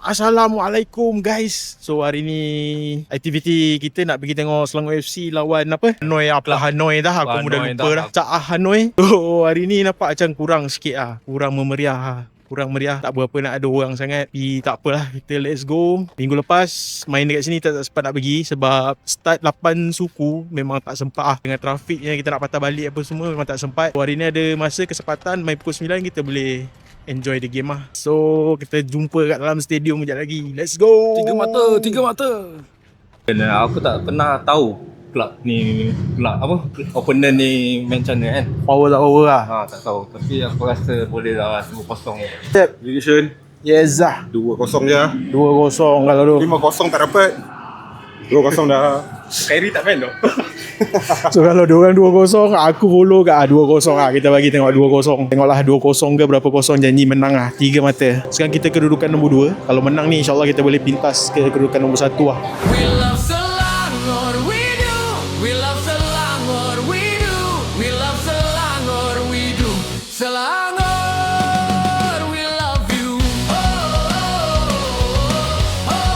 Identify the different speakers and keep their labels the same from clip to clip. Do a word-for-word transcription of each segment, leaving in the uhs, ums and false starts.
Speaker 1: Assalamualaikum guys. So hari ni aktiviti kita nak pergi tengok Selangor F C lawan apa? Hanoi apa Hanoi dah aku mudah lupa dah. Cak Hanoi. So hari ni nampak macam kurang sikit ah. Kurang memeriah ah. Kurang meriah, tak berapa nak ada orang sangat. Tapi tak apalah, kita let's go. Minggu lepas main dekat sini tak, tak sempat nak pergi sebab start lapan suku memang tak sempat ah. Dengan trafik yang kita nak patah balik apa semua memang tak sempat. So, hari ni ada masa kesempatan main pukul sembilan, kita boleh enjoy the game lah. So kita jumpa kat dalam stadium sekejap lagi. Let's go.
Speaker 2: Tiga mata, tiga mata. Dan aku tak pernah tahu kelab ni, kelab apa, opponent ni main macam mana kan.
Speaker 1: Power tak power lah.
Speaker 2: Ha, tak tahu. Tapi aku rasa boleh lah dua kosong.
Speaker 1: Step.
Speaker 3: Division
Speaker 1: Yes lah.
Speaker 3: dua kosong je.
Speaker 1: dua kosong kalau tu.
Speaker 3: lima kosong tak dapat. dua kosong dah. Kyrie tak main tu.
Speaker 1: So kalau diorang dua kosong, aku follow kat ah, dua kosong lah. Kita bagi tengok dua kosong. Tengoklah dua kosong ke berapa kosong, janji menang lah. Tiga mata. Sekarang kita kedudukan nombor dua. Kalau menang ni insyaAllah kita boleh pintas ke kedudukan nombor satu lah.
Speaker 4: We love Selangor, we do. We love Selangor, we do. We love Selangor, we do. Selangor, we love you. Oh, oh, oh, oh,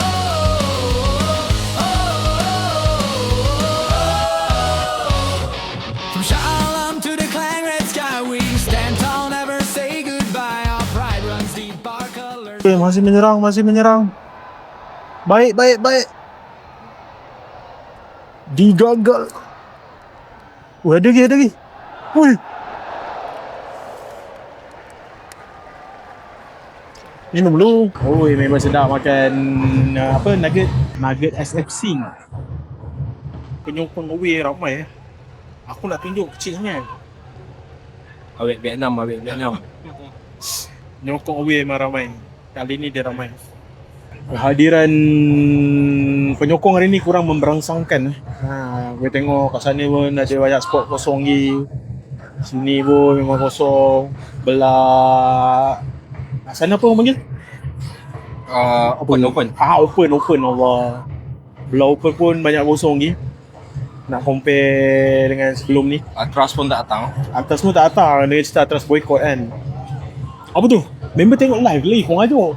Speaker 4: oh, oh. From Shah Alam to the Klang Red Sky, we stand tall, never say goodbye. Our pride runs deep, our colors.
Speaker 1: Eh, masih menyerang, masih menyerang. Baik, baik, baik. Digagal. Oh, ada lagi, ada lagi. Ui. Minum dulu. Oh, memang sedap makan uh, apa, nugget. Nugget S F C. Penyokong away ramai eh. Aku nak tunjuk kecil sangat.
Speaker 2: Awet Vietnam, awet Vietnam.
Speaker 1: Penyokong away memang ramai. Kali ni dia ramai. Kehadiran penyokong hari ni kurang memberangsangkan. Ha, gue tengok kat sana pun ada banyak spot kosong lagi. Sini pun memang kosong. Belah sana apa orang panggil?
Speaker 2: Uh, open, open.
Speaker 1: Ah, open, open Allah. Belah open pun banyak kosong lagi. Nak compare dengan sebelum ni.
Speaker 2: Atras pun tak datang.
Speaker 1: Atas semua tak datang. Dia cerita atas boycott kan. Apa tu? Member tengok live lagi, korang ajuk.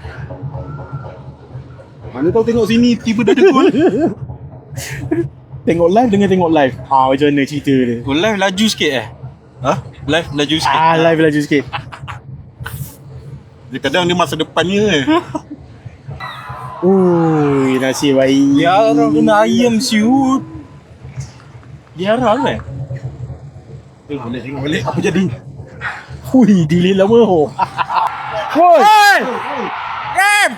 Speaker 3: Mana tahu tengok sini tiba dah ada gol.
Speaker 1: Tengok live dengan tengok live. Ah, macam mana cerita dia?
Speaker 2: Oh, live laju sikit eh? Ha? Live laju sikit.
Speaker 1: Ah, live laju sikit.
Speaker 3: Dia kadang dia masa depannya eh.
Speaker 1: Ui, nasib baik.
Speaker 2: Ya, orang kena ayam siut.
Speaker 1: Dia harap kan?
Speaker 3: Eh, boleh tengok balik apa jadi.
Speaker 1: Hui, delay lama. Woi!
Speaker 2: Game!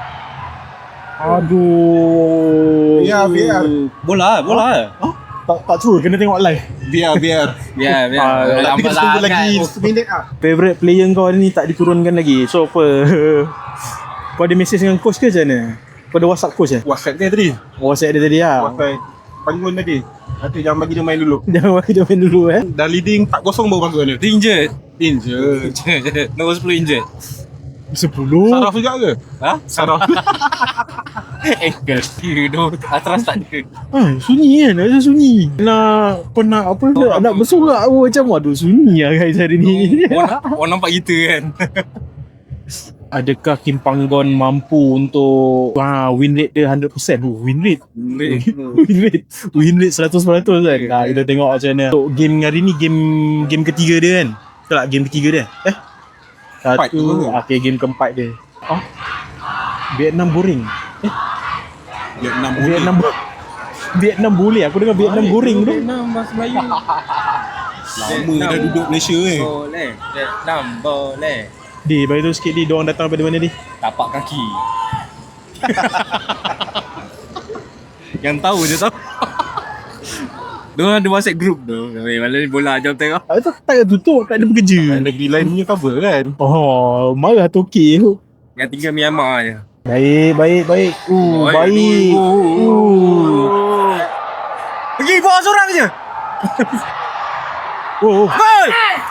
Speaker 1: Aduh.
Speaker 3: Biar, biar.
Speaker 2: Bola, bola.
Speaker 1: Huh? Tak tak true, kena tengok live.
Speaker 3: Biar biar.
Speaker 2: Biar, biar.
Speaker 1: Ah,
Speaker 3: Nanti kita tunggu lagi seminit ah.
Speaker 1: Favorite player kau hari ni tak diturunkan lagi. So apa? Kau ada message dengan coach ke macam mana? Kau ada WhatsApp coach eh?
Speaker 3: WhatsApp dia tadi.
Speaker 1: WhatsApp dia tadi lah.
Speaker 3: WhatsApp panggung tadi. Nanti jangan bagi dia main dulu.
Speaker 1: Jangan bagi dia main dulu eh.
Speaker 3: Dah leading empat kosong baru panggung dia.
Speaker 2: Injured.
Speaker 3: Injured.
Speaker 2: Nombor sepuluh injured.
Speaker 1: Sepuluh.
Speaker 3: Saraf juga ke?
Speaker 2: Ha?
Speaker 3: Saraf.
Speaker 2: Eh, you know, Atras tak ada.
Speaker 1: Ah, sunyi kan? Macam sunyi. Nak pernah apa?
Speaker 2: Oh,
Speaker 1: nak
Speaker 2: apa?
Speaker 1: bersorak pun macam aduh sunyi lah guys hari ni.
Speaker 2: Orang, orang nampak kita kan.
Speaker 1: Adakah Kim Panggon mampu untuk ah, win rate dia one hundred percent? Oh, win rate. win rate. Win rate seratus peratus kan. Nah, kita tengok macam mana. Untuk game hari ni game game ketiga dia kan. Betul tak game ketiga dia? Eh?
Speaker 3: Empat tu
Speaker 1: Satu.
Speaker 3: ke?
Speaker 1: Okay, game keempat dia. Oh. Vietnam boring. Eh,
Speaker 3: Vietnam boleh.
Speaker 1: Vietnam bo- Vietnam boleh. Aku dengar Vietnam goreng tu.
Speaker 2: Vietnam bahasa Melayu.
Speaker 3: Lama dah duduk Malaysia eh.
Speaker 2: Boleh. Vietnam boleh.
Speaker 1: Di, bagi tu sikit di, diorang datang daripada mana di?
Speaker 2: Tapak kaki. Yang tahu je tahu. Diorang ada WhatsApp group tu. Malam ni bola jom tengok.
Speaker 1: Ah, tu tak ada tutup, tak ada bekerja.
Speaker 3: Negeri lain punya cover kan.
Speaker 1: Oh, marah Toki tu.
Speaker 2: Yang tinggal Myanmar je.
Speaker 1: Baik, baik, baik. Uh,
Speaker 2: Baik.
Speaker 1: baik. Uh.
Speaker 2: Pergi bawa seorang je.
Speaker 1: Oh, oh.
Speaker 2: Gol!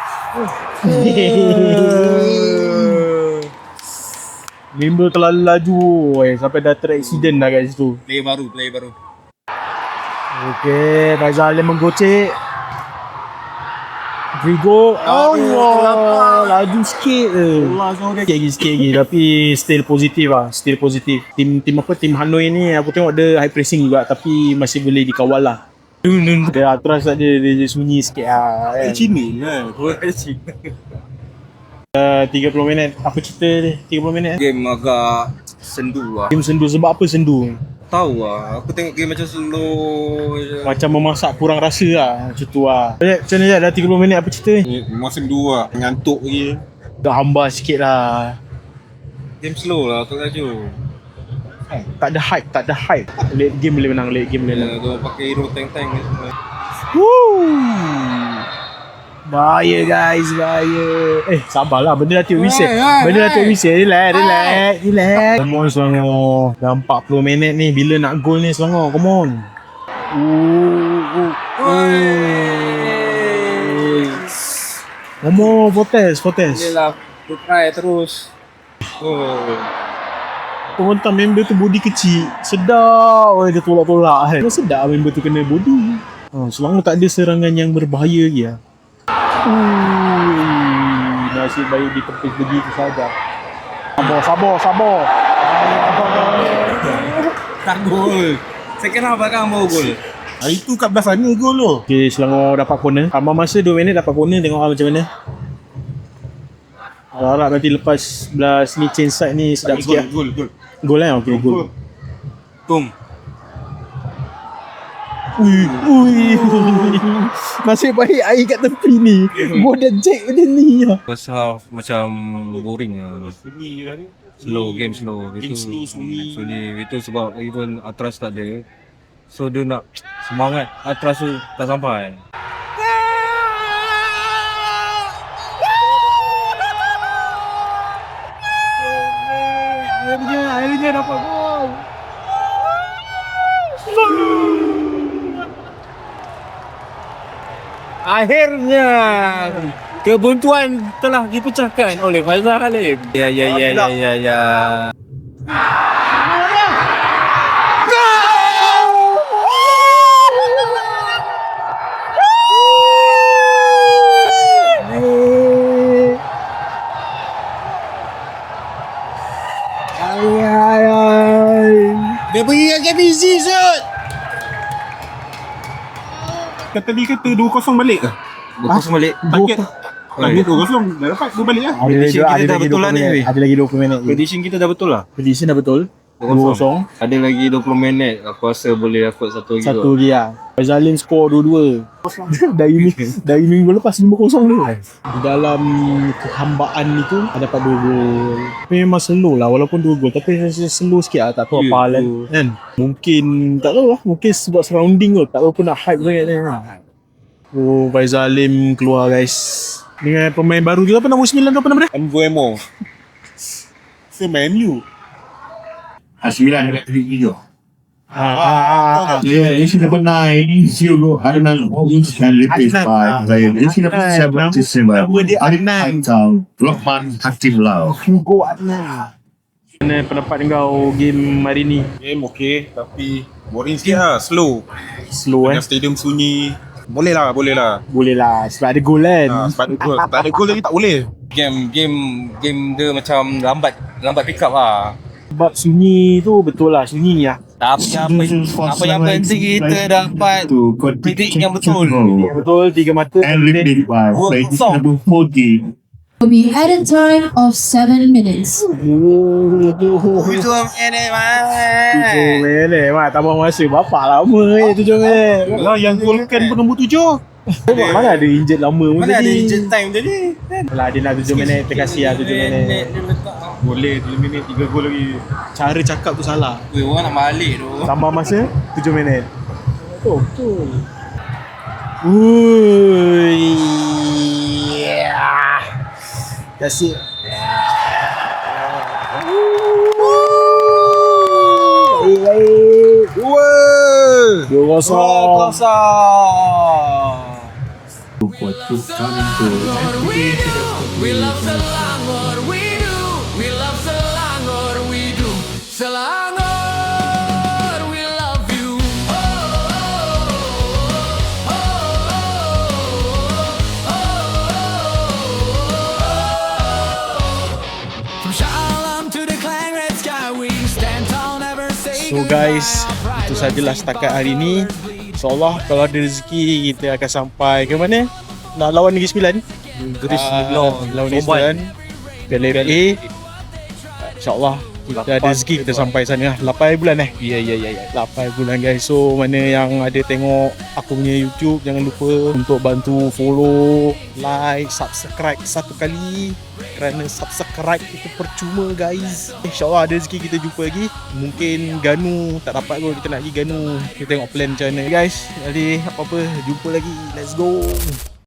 Speaker 1: Member terlalu laju eh, sampai dah ter-accident dah kat situ.
Speaker 2: Player baru, player baru.
Speaker 1: Okey, Faizal Alim menggocek. Vigo. Oh, Allah. Laju sikit je. Sikit lagi, sikit lagi. Tapi still positif lah. Still positif. Tim tim apa? Tim Hanoi ni aku tengok dia high pressing juga. Tapi masih boleh dikawal lah. Dia Atras tak dia, dia sunyi sikit lah. Kan?
Speaker 3: Cina lah. Cina.
Speaker 1: Uh, tiga puluh minit. Apa cerita dia? tiga puluh minit?
Speaker 2: Game agak sendu lah.
Speaker 1: Game sendu. Sebab apa sendu?
Speaker 2: Tahu lah. Aku tengok game macam slow je.
Speaker 1: Macam memasak kurang rasa lah. Macam tu lah. Macam mana dah tiga puluh minit apa cerita ni?
Speaker 3: Musim dua lah. Ngantuk lagi.
Speaker 1: Dah hambar sikit lah.
Speaker 2: Game slow lah, tak laju.
Speaker 1: Tak ada hype, tak ada hype. Late game boleh menang, late game boleh menang.
Speaker 2: Ya, dia pakai hero tank-tank ni semua.
Speaker 1: Woo! Bahaya guys, bahaya. Eh, sabarlah. Benda dah tiup whistle. Benda dah tiup whistle. Relax, relax, relax. Come on Selangor. Dah empat puluh minit ni. Bila nak gol ni Selangor? Come on. Ooh, ooh. Come on, Fortes, Fortes.
Speaker 2: Yelah, aku try terus. Oh.
Speaker 1: Penonton member tu body kecil. Sedap. Oh, dia tolak-tolak kan. Sedap member tu kena body. Ha, Selangor tak ada serangan yang berbahaya lagi lah. Ui, nasib baik ditepis begitu saja. Sabar, sabar, sabar.
Speaker 2: Tak gol. Second half belakang baru gol.
Speaker 3: Hari tu kat belah sana gol tu.
Speaker 1: Okay, Selangor dapat corner. Tambah masa dua minit dapat corner. Tengok lah macam mana. Harap nanti lepas belah sini change side ni sedap sikit lah.
Speaker 3: Gol, gol.
Speaker 1: Gol lah? Okay, gol.
Speaker 2: Tum.
Speaker 1: Ui, ui. Nasib baik air kat tepi ni. Gol dah jack macam ni lah.
Speaker 2: First half macam boring lah.
Speaker 3: Sunyi lah ni.
Speaker 2: Slow, game slow.
Speaker 3: Game
Speaker 2: Itu
Speaker 3: slow, sunyi.
Speaker 2: sunyi. Itu sebab even Atras tak ada. So dia nak semangat Atras tu tak sampai.
Speaker 1: Akhirnya, akhirnya dapat gol.
Speaker 2: Akhirnya kebuntuan telah dipecahkan oleh Faizal Halim. Ya ya ya ya ya ya.
Speaker 1: Dia pergi kat K B C Zut.
Speaker 3: Kata dia kata dua kosong balik ke?
Speaker 2: Dua kosong balik.
Speaker 3: Target. Target dua kosong. Dah dapat dua balik lah.
Speaker 1: Ada lagi,
Speaker 2: Prediction
Speaker 1: ada
Speaker 2: kita dah
Speaker 1: lagi
Speaker 2: betul
Speaker 1: dua
Speaker 2: lah
Speaker 1: puluh
Speaker 2: ni,
Speaker 1: minit.
Speaker 2: weh.
Speaker 1: Ada lagi dua puluh minit.
Speaker 2: Prediction kita dah betul lah.
Speaker 1: Prediction dah betul. dua kosong.
Speaker 2: Ada lagi dua puluh minit. Aku rasa boleh dapat satu lagi.
Speaker 1: Satu lagi lah. Faizalin skor dua-dua. dari minggu, dari minggu lepas lima kosong tu. Di dalam kehambaan itu ada dapat dua gol. Memang slow lah walaupun dua gol. Tapi rasa slow sikit lah. Tak tahu
Speaker 2: Ya,
Speaker 1: apa hal
Speaker 2: tu.
Speaker 1: kan. Mungkin tak tahu lah. Mungkin sebab surrounding tu. Tak tahu pun nak hype sangat ni. Oh, Faizalim keluar guys. Dengan pemain baru juga. Apa nombor sembilan tu apa nama dia?
Speaker 3: Mbuemo. Semenu.
Speaker 5: Sembilan dekat tiga tiga.
Speaker 1: Ah, ah, ah, ah.
Speaker 5: Yeah, issue number nine, Zero Adnan Orange and replaced by player. Issue number seventy-seven, Adnan Tau, Lokman Hatim Lau.
Speaker 1: Hugo Adnan. Mana pendapat kau game hari ni?
Speaker 3: Game okey tapi boring sikit lah. Slow.
Speaker 1: Slow eh?
Speaker 3: Dengan stadium sunyi. Boleh lah, boleh lah.
Speaker 1: Boleh lah sebab ada gol kan.
Speaker 3: Ha, sebab ada gol. Tak ada gol lagi tak boleh.
Speaker 2: Game game game dia macam lambat lambat pick up lah.
Speaker 1: Sebab sunyi tu betul lah, sunyi lah.
Speaker 2: Tapi apa apa yang penting kita dapat
Speaker 5: To
Speaker 2: predict yang betul.
Speaker 1: Betul, tiga mata.
Speaker 5: And replaced by player number forty.
Speaker 6: Will be at a time of seven minutes.
Speaker 2: Itu ini
Speaker 1: Tujuh minit, mak tambah masa. Bapak lama eh, tujuh minit.
Speaker 3: Lah yang gol kan pun nombor tujuh.
Speaker 1: Mana ada injet lama pun
Speaker 2: Mana ada
Speaker 1: tadi.
Speaker 2: injet time tadi?
Speaker 1: Lah dia nak tujuh minit, terkasih lah tujuh minit.
Speaker 2: Dia letak.
Speaker 3: Boleh tujuh minit tiga gol lagi.
Speaker 1: Cara cakap tu salah.
Speaker 2: Weh, orang nak balik tu.
Speaker 1: Tambah masa tujuh minit. Oh, betul. Ui. Yeah. That's it. Dua kosong.
Speaker 5: For two coming to
Speaker 4: We do, we love Selangor, we do, we love Selangor, we do, Selangor, we love you. Oh, oh, oh, oh, oh, oh, oh,
Speaker 1: So guys, itu sajalah setakat hari ni. InsyaAllah kalau ada rezeki kita akan sampai ke mana? Nak lawan Negeri Sembilan.
Speaker 2: Greece
Speaker 1: Ah,
Speaker 2: lawan
Speaker 1: lawan Negeri
Speaker 2: Oman.
Speaker 1: Sembilan. Piala F A. InsyaAllah kita ada rezeki kita sampai sana lah. lapan bulan eh.
Speaker 2: Ya ya ya ya.
Speaker 1: lapan bulan guys. So mana yang ada tengok aku punya YouTube, jangan lupa untuk bantu follow, like, subscribe satu kali. Kerana subscribe itu percuma guys. InsyaAllah ada rezeki kita jumpa lagi. Mungkin Ganu tak dapat kot, kita nak pergi Ganu. Kita tengok plan macam mana guys. Jadi apa-apa jumpa lagi. Let's go.